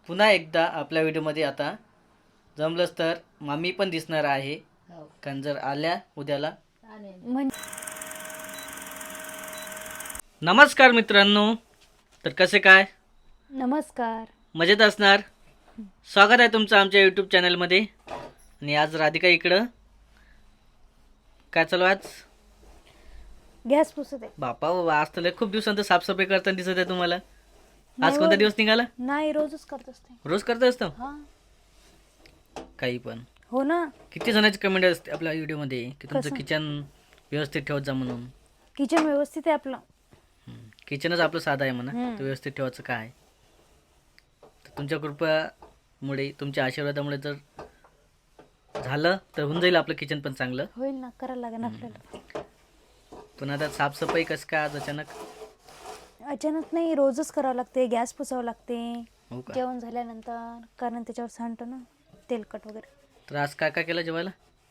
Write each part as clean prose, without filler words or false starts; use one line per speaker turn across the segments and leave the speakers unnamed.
पुन्हा एकदा आपल्या व्हिडिओमध्ये आता जमलंच तर मामी पण दिसणार आहे. कारण जर आल्या उद्याला. नमस्कार मित्रांनो. तर कसे काय?
नमस्कार.
मजेत असणार. स्वागत आहे तुमचं आमच्या यूट्यूब चॅनलमध्ये. आणि आज राधिका इकडं काय चालू आज?
गॅस पुसत आहे.
बापा आज तर खूप दिवसांत साफसफाई करताना दिसत आहे तुम्हाला. आज कोणता दिवस निघाला?
नाही, रोजच करत असते.
रोज करत असतो काही पण.
हो ना.
किती जणांची कमेंट असते आपल्या व्हिडिओमध्ये की तुमचं किचन व्यवस्थित ठेवत जा म्हणून.
किचन व्यवस्थित आहे आपलं.
किचनच आपलं साधं आहे म्हणा. ते व्यवस्थित ठेवायचं काय. तर तुमच्या कृपेमुळे तुमच्या आशीर्वादामुळे जर झालं तर होऊन जाईल आपलं किचन पण चांगलं.
होईल ना, करायला लागेल आपल्याला.
पण आता साफसफाई कसं काय आज अचानक?
अचानक नाही, रोजच करावं लागते. गॅस पुसावं लागते
हो का?
जेवण झाल्यानंतर, कारण त्याच्यावर सांडतो ना तेलकट वगैरे.
तर आज काय काय केलं जेवायला?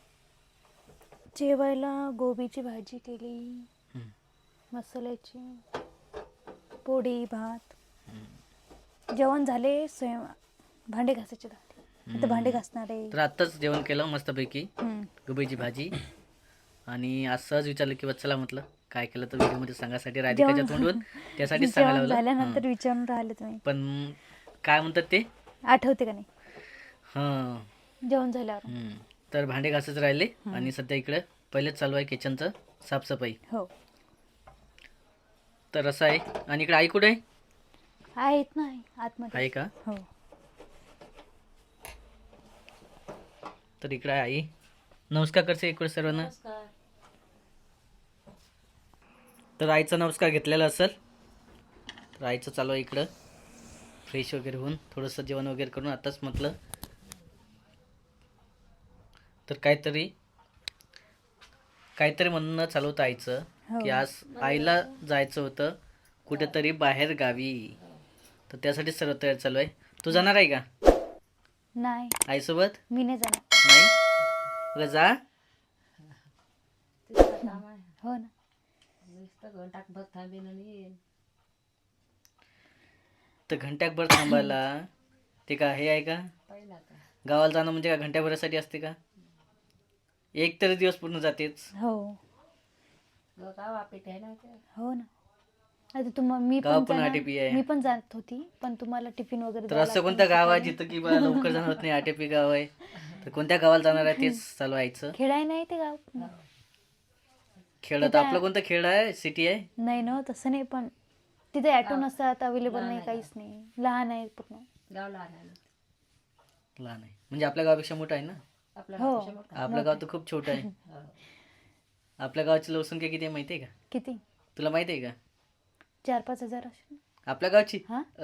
जेवायला गोबीची भाजी केली, मसाल्याची पोळी, भात. जेवण झाले, भांडे घासायचे राहते. आता भांडे घासणार आहे.
तर आत्ताच जेवण केलं मस्तपैकी गोबीची भाजी. आणि आज सहज विचारलं की चला म्हटलं काय केलं तर व्हिडिओमध्ये सांगायसाठी राधिकाच्या तोंडून त्यासाठीच सांगायला लावलं.
झाल्यानंतर विचारून राहिले तुम्ही.
पण काय म्हणतात ते
आठवते का नाही?
हां,
जेवण झाल्यावर.
तर भांडे घासच राहिले. आणि सध्या इकडे पहिलेच चालू आहे किचनचं साफसफाई.
हो.
तर असं आहे. आणि इकडे आई कुठे आहे?
आहेत ना आतमध्ये.
आहे का?
हो.
तर इकडे आहे आई. नमस्कार करते इकडे सर्वांना. तर आईचा नमस्कार घेतलेला असेल. तर आईचं चालू आहे इकडं फ्रेश वगैरे होऊन थोडंसं जेवण वगैरे करून आताच म्हटलं तर काहीतरी म्हणणं चालू होतं आईचं की आज आईला जायचं होतं कुठेतरी बाहेर गावी. तर त्यासाठी सर्व तयार चालू आहे. तू जाणार आहे का
नाही,
आईसोबत?
मी नाही जाणार.
नाही बघा जा.
हो ना.
तर घंट्याभर थांबायला ते का हे आहे का? गावाला जाणं म्हणजे का घंट्याभरासाठी असते का? एक तरी दिवस पूर्ण जातेच.
हो. हो ना. आता
गाव पण आटेपी आहे.
मी पण जात होती, पण तुम्हाला टिफिन वगैरे
तर असं कोणतं गाव आहे जिथं की बा लवकर जाणं होत नाही? आटेपी गाव आहे. तर कोणत्या गावाला जाणार आहे तेच चालू व्हायचं.
खेळाय नाही ते गाव.
खेळ तर आपलं कोणतं खेळ आहे? सिटी आहे?
नाही ना, तसं नाही. पण तिथे ॲटो नसतात, अवेलेबल नाही, काहीच नाही. लहान आहे पूर्ण.
लहान आहे म्हणजे आपल्या गावापेक्षा मोठं आहे ना?
हो.
आपलं गाव तर खूप छोटं आहे. आपल्या गावाची लोकसंख्या किती आहे माहिती आहे का?
किती?
तुला माहिती आहे का?
4-5 हजार असेल.
आपल्या गावची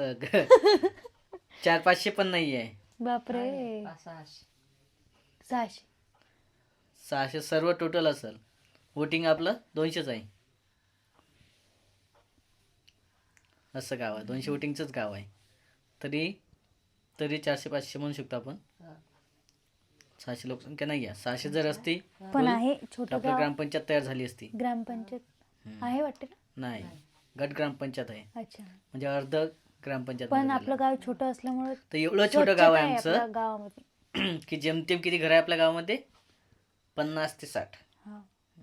400-500 पण नाही आहे.
बापरे. 600.
600 सर्व टोटल असेल. वोटिंग आपलं 200च आहे. असं गाव आहे. 200 वोटिंगचंच गाव आहे. तरी 400-500 म्हणू शकतो आपण. 600 लोकसंख्या नाही आहे. 600 जर असती
पण आहे छोटं
आपलं
गाव.
ग्रामपंचायत तयार झाली असती.
ग्रामपंचायत आहे वाटते ना?
नाही, गट ग्रामपंचायत आहे.
अच्छा.
म्हणजे अर्ध ग्रामपंचायत.
पण आपलं गाव छोटं असल्यामुळे
तर एवढं छोटं गाव आहे आमचं
आपल्या गावामध्ये.
की जेमतेम किती घर आहे आपल्या गावामध्ये? 50 ते 60.
हा.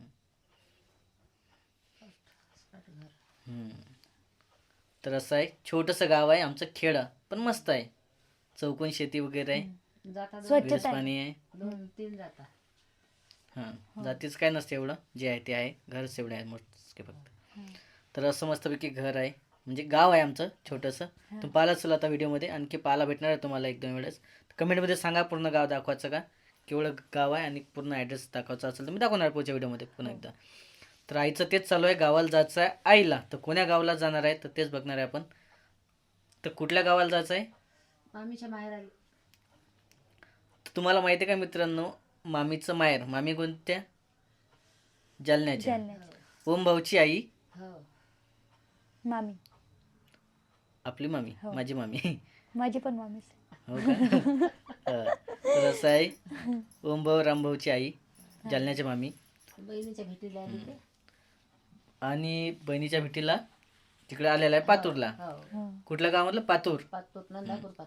तर असं आहे. छोटंसं गाव आहे आमचं. खेड पण मस्त आहे. चौकोन शेती वगैरे आहे.
स्वच्छता
पाणी आहे.
2-3 जाता.
हां, जातीच काय नसते एवढं. जे आहे ते आहे. घरच एवढे आहे मोजके फक्त. तर असं मस्तपैकी घर आहे. म्हणजे गाव आहे आमचं छोटंसं. तुम्ही पाहिलं असेल आता व्हिडिओमध्ये. आणखी पाहायला भेटणार आहे तुम्हाला 1-2 वेळेस. कमेंटमध्ये सांगा पूर्ण गाव दाखवायचं का, केवढं गाव आहे आणि पूर्ण ॲड्रेस दाखवायचा असेल तर मी दाखवणार पुढच्या व्हिडिओमध्ये पुन्हा एकदा. तर आईचं तेच चालू आहे. गावाला जायचं आहे आईला. तर कोण्या गावाला जाणार आहे तर तेच बघणार आहे आपण. तर कुठल्या गावाला जायचं आहे?
मामीच्या माहेर आली.
तुम्हाला माहिती आहे का मित्रांनो, मामीचं माहेर. मामी कोणत्या? जालन्याच्या. ओम भाऊची आई
मामी.
आपली मामी. माझी मामी.
माझी पण मामीच.
हो का? तर असं आहे. ओम भाऊ रामभाऊची आई जालन्याच्या मामी.
बहिणीच्या भेटीला आली ते.
आणि बहिणीच्या भेटीला तिकडे आलेला आहे पातूरला. कुठल्या गावामधलं? पातूर.
नंदापूर पातूर.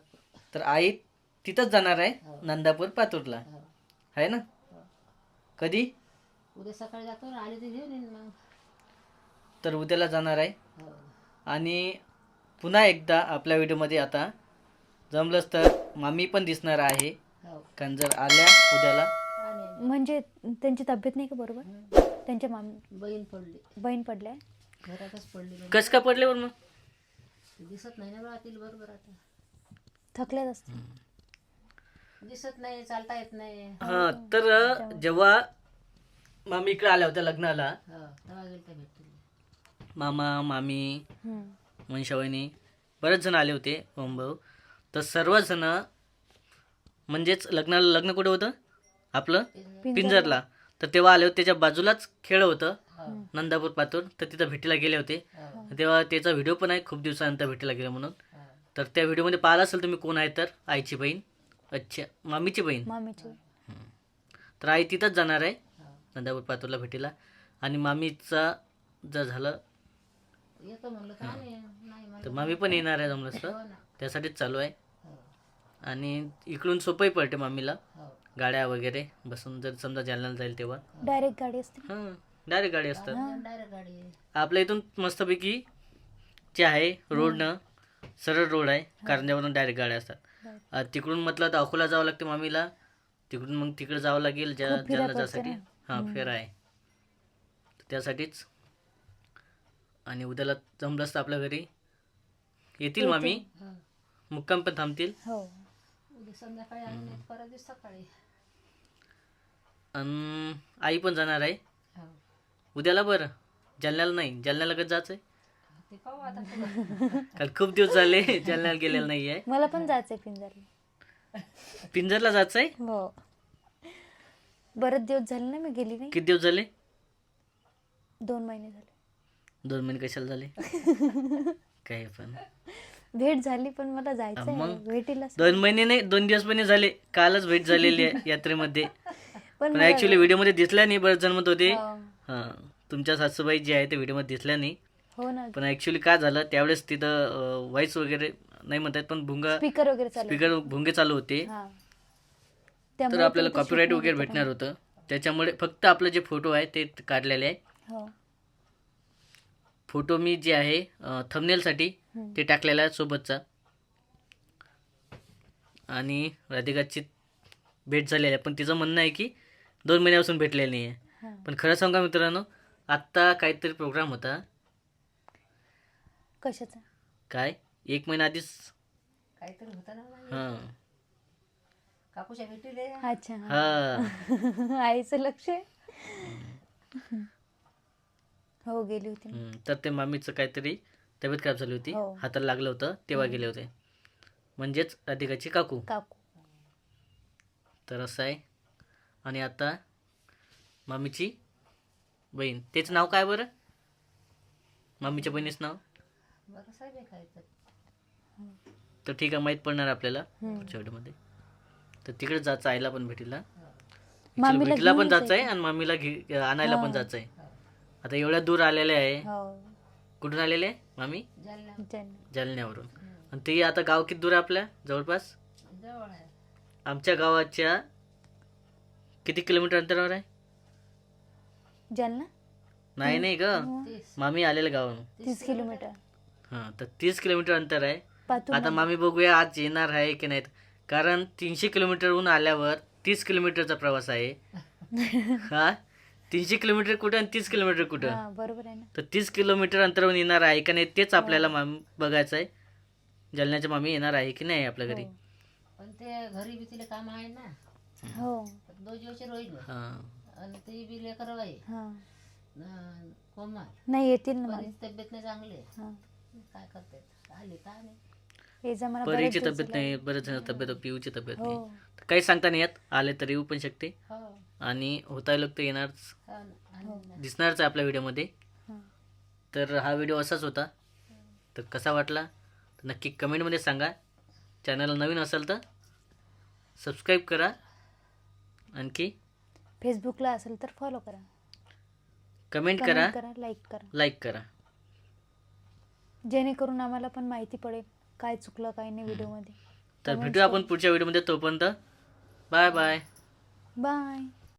तर आई तिथंच जाणार आहे
हो.
नंदापूर पातूरला
हो.
आहे ना
हो.
कधी
उद्या सकाळी जातो ना, आले ते घेऊन येईन मग.
तर उद्याला जाणार आहे
हो.
आणि पुन्हा एकदा आपल्या व्हिडिओमध्ये आता जमलंच तर मामी पण दिसणार आहे
हो.
कारण जर आल्या उद्याला
आणि
म्हणजे त्यांची तब्येत नाही का बरोबर?
हं.
त्यांच्या मामी
बहीण पडली,
बहीण पडल्या.
घरातच पडली बहीण.
कसं का पडले मग
दिसत नाही ना बा तिला बरोबर आता.
थकल्यात असते.
दिसत नाही, चालता येत नाही.
हा तर जेव्हा मामी इकडे आल्या होत्या लग्नाला
हो, तेव्हा गेलं त्या भेटली.
मामा मामी
हम्म.
मनशावणी बरेच जण आले होते भाऊ. तर सर्वजण म्हणजेच लग्न कुठं होतं आपलं पिंजरला. तर तेव्हा आले होते त्याच्या बाजूलाच खेळ होतं नंदापूर पातूर. तर तिथं भेटीला गेले होते.
हो.
तेव्हा त्याचा व्हिडिओ पण आहे खूप दिवसानंतर भेटीला गेला म्हणून.
हो.
तर त्या व्हिडिओमध्ये पाहिला असेल तुम्ही कोण आहे तर आईची बहीण अच्छा मामीची बहीण.
मामीची.
तर आई तिथंच जाणार आहे
हो.
नंदापूर पातूरला भेटीला. आणि मामीचा जर झालं
येतो म्हणलं का नाही म्हणलं.
तर मामी पण येणार आहे जमलंच तर
हो ना.
त्यासाठीच चालू आहे.
हो.
आणि इकडून सोपंही पडते मामीला
हो.
गाड्या वगैरे बसून जर समजा जालन्याला जाईल तेव्हा
डायरेक्ट गाडी असते.
हां डायरेक्ट गाडी असतात.
डायरेक्ट गाडी आहे.
आपल्या इथून मस्तपैकी जे आहे रोडनं सरळ रोड आहे कारंजावरून डायरेक्ट गाड्या असतात. तिकडून म्हटलं तर अकोला जावं लागते मामीला. तिकडून मग तिकडे जावं लागेल
खूप फिरा
जालना जासाठी.
पडते
हां फेरा आहे त्यासाठीच. आणि उद्याला जमलंच तर आपल्या घरी येतील मामी.
हो.
मुक्काम पण थांबतील.
हो.
उद्या संध्याकाळी आली नाही, परत दिवस सकाळी.
आणि आई पण जाणार आहे
हो.
उद्याला. बरं जालन्याला नाही, जालन्याला कधी जायचं आहे
ते पाहू आता पुढं.
कारण खूप दिवस झाले जालन्याला गेलेलं नाही आहे.
मला पण जायचंय पिंजरला.
पिंजरला जायचं आहे.
हो. बरेच दिवस झाले ना मी गेली नाही.
किती दिवस झाले?
2 महिने झाले.
2 महिने कशाला झाले काय पण
भेट झाली पण मला जायचं
मग?
आहे भेटीला.
2 महिने नाही 2 दिवस पण नाही झाले. कालच भेट झालेली आहे यात्रेमध्ये. पण
मला-
ऍक्च्युली व्हिडिओमध्ये दिसल्या नाही. बरेच जण म्हणत होते
हो.
हां तुमच्या सासूबाई जे आहे ते व्हिडिओमध्ये दिसल्या नाही.
हो ना.
पण ऍक्च्युली काय झालं त्यावेळेस तिथं व्हॉइस वगैरे नाही म्हणतात पण भुंगा
स्पीकर वगैरे चालू.
स्पीकर भुंगे चालू होते.
हा.
तर
त्यामुळे
आपल्याला
ते shoot
कॉपीराईट
नाही
वगैरे
होत
भेटणार होतं. त्याच्यामुळे फक्त आपलं जे फोटो आहे ते काढलेले आहे.
आपण. हो.
फोटो मी जे आहे थंबनेलसाठी
हम्म.
ते टाकलेला आहे सोबतचा. आणि राधिकाची भेट झालेली आहे पण तिचं म्हणणं आहे की 2 महिन्यापासून भेटलेली नाही आहे.
हा.
पण खरं सांगा मित्रांनो आत्ता काहीतरी प्रोग्राम होता
कशाचा?
काय 1 महिना आधीच.
काहीतरी होतं ना बाई.
हां
काकूच्या भेटीले.
अच्छा.
हां
आईचं लक्ष आहे. हो गेली होती ना.
तर ते मामीचं काहीतरी तब्येत खराब झाली होती.
हो.
हाताला लागलं होतं तेव्हा गेले होते. म्हणजेच राधिकाची काकू.
काकू.
तर असं आहे. आणि आता मामीची बहीण तेच नाव काय बरं मामीच्या बहिणीचं नाव?
बरं साहेब आहे काय तर.
तर ठीक आहे माहीत पडणार आपल्याला
हम्म.
पुढच्या व्हिडिओमध्ये. तर तिकडे जायचं आईला पण भेटीला.
मामीला
भेटीला पण
घेऊन
जायचं आहे
जायचं.
आणि मामीला आणायला पण जायचं आहे. आता एवढ्या दूर आलेले आहे.
हो.
कुठून आलेले आहे मामी?
जालना
ज्यांना-
जालन्यावरून. आणि ते आता गाव किती दूर आहे आपल्या जवळपास?
जवळ आहे.
आमच्या गावाच्या किती किलोमीटर अंतरावर आहे?
ज्यांना
नाही ग
30.
मामी आलेलं गावावरून.
30 किलोमीटर.
हां तर 30 किलोमीटर अंतर आहे.
पातूर.
आता मामी बघूया आज येणार आहे की नाहीत. कारण 300 किलोमीटरहून आल्यावर 30 किलोमीटरचा प्रवास आहे. हा 300 किलोमीटर कुठं आणि 30 किलोमीटर कुठं.
हा बरोबर आहे ना.
तर 30 किलोमीटर अंतरावरून येणार आहे का नाही तेच आपल्याला मामी बघायचं आहे. जालन्याच्या मामी येणार आहे की नाही आपल्या घरी.
हो.
पण ते घरी बी तिला काम आहे ना.
हो.
2 दिवस रोहित
हां
आणि ते बी लेकर बाई
हा.
कोमल.
नाही येतील ना मला.
परीची तब्येत नाही चांगली आहे.
हा.
काय करते आली काय नाही.
ये जा मला
परीची
बरेच दिवस
तब्येत
झाले.
नाही बरेच जण तब्येत पिऊची तब्येत
हो.
नाही. तर काही सांगता नाही येत. आले तर येऊ पण शकते
हो.
आणि होता लोक तर येणारच
हो ना. आणि ना.
दिसणारच आहे आपल्या व्हिडिओमध्ये.
हा.
तर हा व्हिडिओ असाच होता. तर कसा वाटला तर नक्की कमेंटमध्ये सांगा. चॅनल नवीन असेल तर सबस्क्राईब करा. आणखी
फेसबुकला असेल तर फॉलो करा.
कमेंट करा
कमेंट करा, लाईक करा.
लाईक करा.
जेणेकरून आम्हाला पण माहिती पडेल काय चुकलं काय नाही व्हिडिओमध्ये.
तर भेटूया आपण पुढच्या व्हिडिओमध्ये. तोपर्यंत बाय बाय.
बाय.